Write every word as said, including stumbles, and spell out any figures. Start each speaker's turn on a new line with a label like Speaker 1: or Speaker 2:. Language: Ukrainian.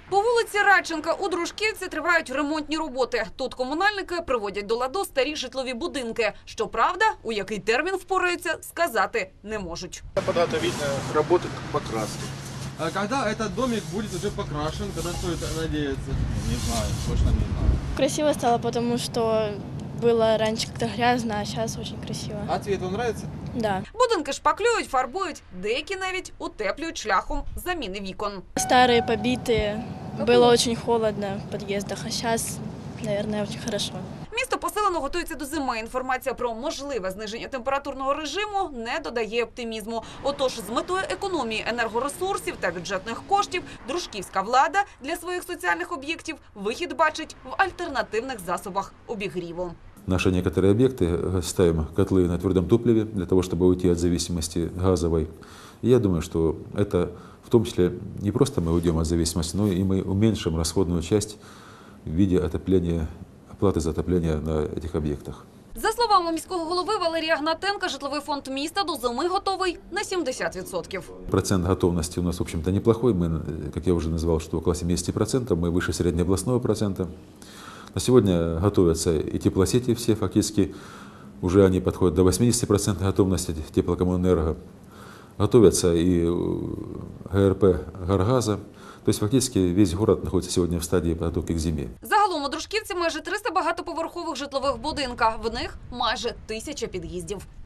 Speaker 1: По вулиці Радченка у Дружківці тривають ремонтні роботи. Тут комунальники приводять до ладу старі житлові будинки. Щоправда, у який термін впораються, сказати не можуть.
Speaker 2: Подготовительные работы к покраске.
Speaker 3: А когда этот домик будет уже покрашен, когда стоит надеяться?
Speaker 2: Не знаю, точно не знаю.
Speaker 4: Красиво стало, потому что было раньше как-то грязно, а сейчас очень красиво.
Speaker 3: А цвет вам нравится?
Speaker 4: Да.
Speaker 1: Будинки шпаклюють, фарбують, деякі навіть утеплюють шляхом заміни вікон.
Speaker 4: Старые, побитые. Было очень холодно в подъездах, а сейчас, наверное, очень хорошо.
Speaker 1: Місто посилено готується до зими. Інформація про можливе зниження температурного режиму не додає оптимізму. Отож, з метою економії енергоресурсів та бюджетних коштів дружківська влада для своїх соціальних об'єктів вихід бачить в альтернативних засобах обігріву.
Speaker 5: Наши некоторые объекты ставим котлы на твердом топливе для того, чтобы уйти от зависимости газовой. И я думаю, что это в том числе не просто мы уйдем от зависимости, но и мы уменьшим расходную часть в виде отопления, оплаты за отопление на этих объектах.
Speaker 1: За словами міського голови Валерія Гнатенка, житловий фонд міста до зими готовий на сімдесят відсотків.
Speaker 5: Процент готовности у нас, в общем-то, неплохой. Мы, как я уже назвал, что около семидесяти процентов, мы выше среднеобластного процента. На сегодня готовятся и теплосети все, фактически уже они подходят до восьмидесяти процентов готовности теплокоммунэнерго. Готовятся и ГРП «Гаргаза». То есть фактически весь город находится сегодня в стадии подготовки к зиме.
Speaker 1: Загалом у Дружківці майже триста багатоповерхових житлових будинка. В них майже тисяча під'їздів.